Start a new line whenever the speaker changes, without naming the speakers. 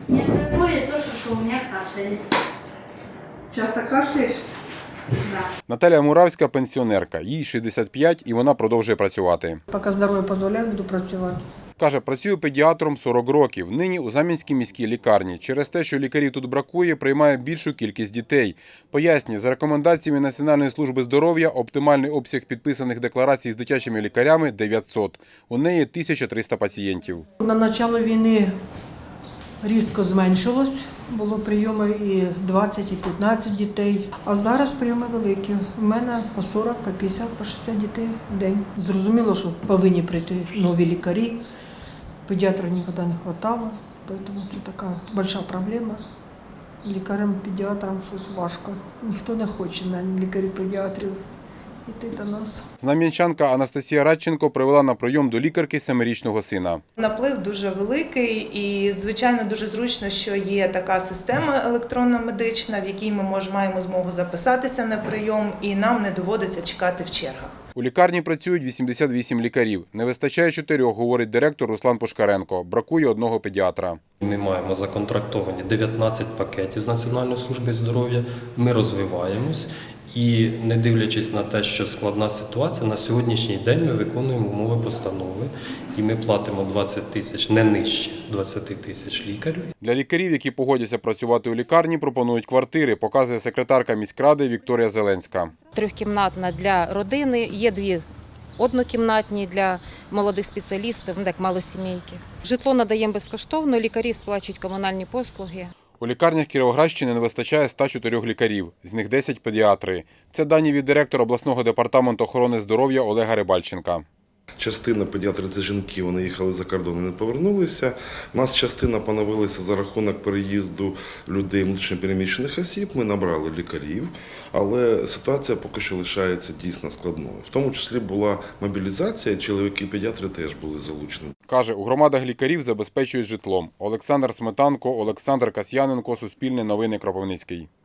Не такое то, что у меня кашель.
Часто кашляєш?
Да.
Наталя Муравська – пенсіонерка. Їй 65 і вона продовжує працювати.
Поки здоров'я дозволяє, буду працювати.
Каже, працює педіатром 40 років. Нині у Знам'янській міській лікарні. Через те, що лікарів тут бракує, приймає більшу кількість дітей. Пояснює, за рекомендаціями Національної служби здоров'я, оптимальний обсяг підписаних декларацій з дитячими лікарями – 900. У неї 1300 пацієнтів.
На початку війни різко зменшилось. Було прийоми і 20, і 15 дітей. А зараз прийоми великі. У мене по 40, по 50, по 60 дітей в день. Зрозуміло, що повинні прийти нові лікарі. Педіатрів ніколи не вистачало, тому це така велика проблема. Лікарям, педіатрам щось важко. Ніхто не хоче на лікарів-педіатрів йти до нас.
Знам'янчанка Анастасія Радченко привела на прийом до лікарки 7-річного сина.
Наплив дуже великий і, звичайно, дуже зручно, що є така система електронно-медична, в якій ми маємо змогу записатися на прийом і нам не доводиться чекати в чергах.
У лікарні працюють 88 лікарів. Не вистачає 4, говорить директор Руслан Пушкаренко. Бракує одного педіатра.
Ми маємо законтрактовані 19 пакетів з Національної служби здоров'я. Ми розвиваємось і, не дивлячись на те, що складна ситуація, на сьогоднішній день ми виконуємо умови постанови і ми платимо 20 тисяч, не нижче 20 тисяч лікарю.
Для лікарів, які погодяться працювати у лікарні, пропонують квартири, показує секретарка міськради Вікторія Зеленська.
Трьохкімнатна для родини, є 2 однокімнатні для молодих спеціалістів, як малосімейки. Житло надаємо безкоштовно, лікарі сплачують комунальні послуги.
У лікарнях Кіровоградщини не вистачає 104 лікарів, з них 10 – педіатри. Це дані від директора обласного департаменту охорони здоров'я Олега Рибальченка.
Частина педіатрів – це жінки, вони їхали за кордон і не повернулися. У нас частина поновилася за рахунок переїзду людей внутрішньопереміщених осіб. Ми набрали лікарів, але ситуація поки що лишається дійсно складною. В тому числі була мобілізація, чоловіки-педіатри теж були залучені.
Каже, у громадах лікарів забезпечують житлом. Олександр Сметанко, Олександр Касьяненко, Суспільне новини, Кропивницький.